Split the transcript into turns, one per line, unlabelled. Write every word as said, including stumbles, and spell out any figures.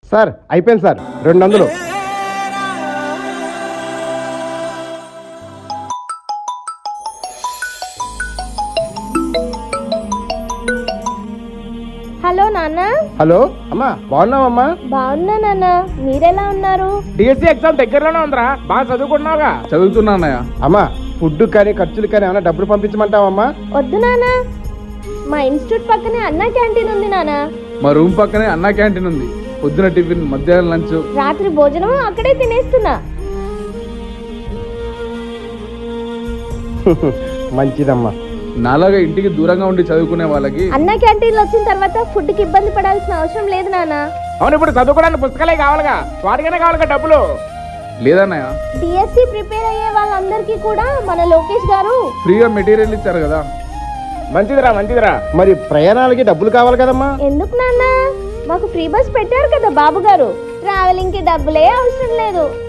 Sir అయిపోయింది sir, రెండు వందలు.
హలో నాన్న.
హలో అమ్మా, బాగున్నావమ్మా?
బాగున్నా నాన్న, మీరెలా ఉన్నారు?
డిఎస్సి ఎగ్జామ్ దగ్గరలోనే ఉందిరా, బాగా చదువుకున్నావుగా?
చదువుతున్నా అన్నయ్య.
అమ్మా, ఫుడ్ కానీ ఖర్చులు కానీ ఏమైనా డబ్బులు పంపించమంటావమ్మా?
వద్దు నాన్న, మా ఇన్స్టిట్యూట్ పక్కనే అన్నా క్యాంటీన్ ఉంది నాన్న.
మా రూమ్ పక్కనే అన్నా క్యాంటీన్ ఉంది. పొద్దున టిఫిన్, మధ్యాహ్నం లంచ్,
రాత్రి భోజనం అక్కడే తినేస్తున్నా.
మంచిదమ్మా.
నాలాగా ఇంటికి దూరంగా ఉండి చదువుకునే వాళ్ళకి
అన్నా క్యాంటీన్ లో వచ్చిన తర్వాత ఫుడ్ కి ఇబ్బంది పడాల్సిన అవసరం లేదు నాన్న.
అవును, ఇప్పుడు చదువుకోవడానికి పుస్తకాలే కావాలిగా, వాటికైనా కావాలిగా డబ్బులు.
లేదన్నయ్య,
డిఎస్సి ప్రిపేర్ అయ్యే వాళ్ళందరికీ కూడా మన లోకేష్ గారు
ఫ్రీగా మెటీరియల్ ఇచ్చారు కదా.
మంచిదిరా మంచిదిరా.
మరి ప్రయాణాలకి డబ్బులు కావాలి కదమ్మా?
ఎందుకు నాన్న, మాకు ఫ్రీ బస్ పెట్టారు కదా బాబు గారు, ట్రావెలింగ్ కి డబ్బులే అవసరం లేదు.